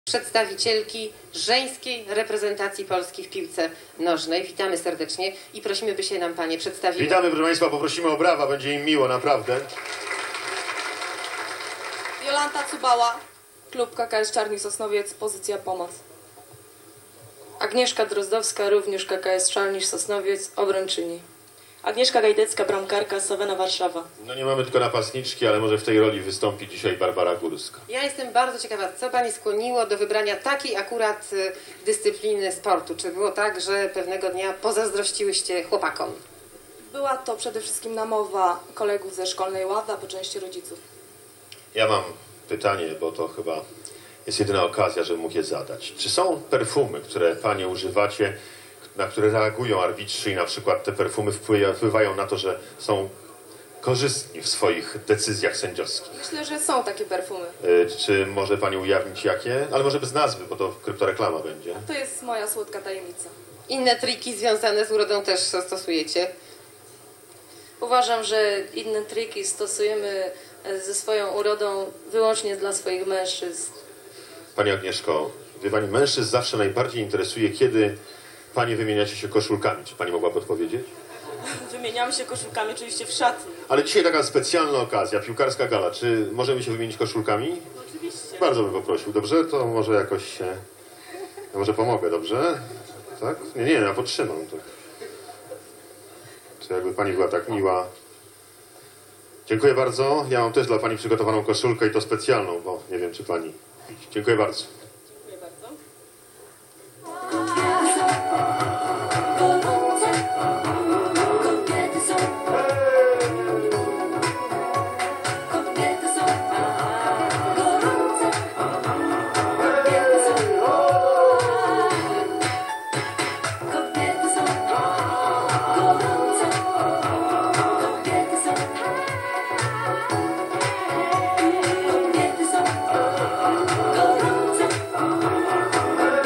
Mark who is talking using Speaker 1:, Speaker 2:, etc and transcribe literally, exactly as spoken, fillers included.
Speaker 1: przedstawicielki żeńskiej reprezentacji Polski w piłce nożnej. Witamy serdecznie i prosimy, by się nam panie przedstawiły.
Speaker 2: Witamy, proszę państwa, poprosimy o brawa, będzie im miło, naprawdę.
Speaker 3: Jolanta Cubała, klub K K S Czarni Sosnowiec, pozycja pomoc.
Speaker 4: Agnieszka Drozdowska, również K K S Czarni Sosnowiec, obrończyni.
Speaker 5: Agnieszka Gajdecka, bramkarka, Sowena Warszawa.
Speaker 2: No nie mamy tylko napastniczki, ale może w tej roli wystąpi dzisiaj Barbara Górska.
Speaker 1: Ja jestem bardzo ciekawa, co pani skłoniło do wybrania takiej akurat y, dyscypliny sportu. Czy było tak, że pewnego dnia pozazdrościłyście chłopakom?
Speaker 3: Była to przede wszystkim namowa kolegów ze szkolnej ławy, a po części rodziców.
Speaker 2: Ja mam pytanie, bo to chyba jest jedyna okazja, żebym mógł je zadać. Czy są perfumy, które panie używacie, na które reagują arbitrzy i na przykład te perfumy wpływają na to, że są korzystni w swoich decyzjach sędziowskich?
Speaker 3: Myślę, że są takie perfumy.
Speaker 2: Yy, czy może pani ujawnić jakie? Ale może bez nazwy, bo to kryptoreklama będzie.
Speaker 3: To jest moja słodka tajemnica.
Speaker 1: Inne triki związane z urodą też stosujecie?
Speaker 4: Uważam, że inne triki stosujemy ze swoją urodą wyłącznie dla swoich mężczyzn.
Speaker 2: Pani Agnieszko, wie pani, mężczyzn zawsze najbardziej interesuje, kiedy panie wymieniacie się koszulkami. Czy pani mogła podpowiedzieć?
Speaker 5: Wymieniamy się koszulkami oczywiście w szatni.
Speaker 2: Ale dzisiaj taka specjalna okazja, piłkarska gala. Czy możemy się wymienić koszulkami?
Speaker 5: No oczywiście.
Speaker 2: Bardzo bym poprosił, dobrze? To może jakoś się... Ja może pomogę, dobrze? Tak? Nie, nie, ja podtrzymam. To, to jakby pani była tak miła. Dziękuję bardzo. Ja mam też dla pani przygotowaną koszulkę i to specjalną, bo nie wiem, czy pani... Dziękuję bardzo.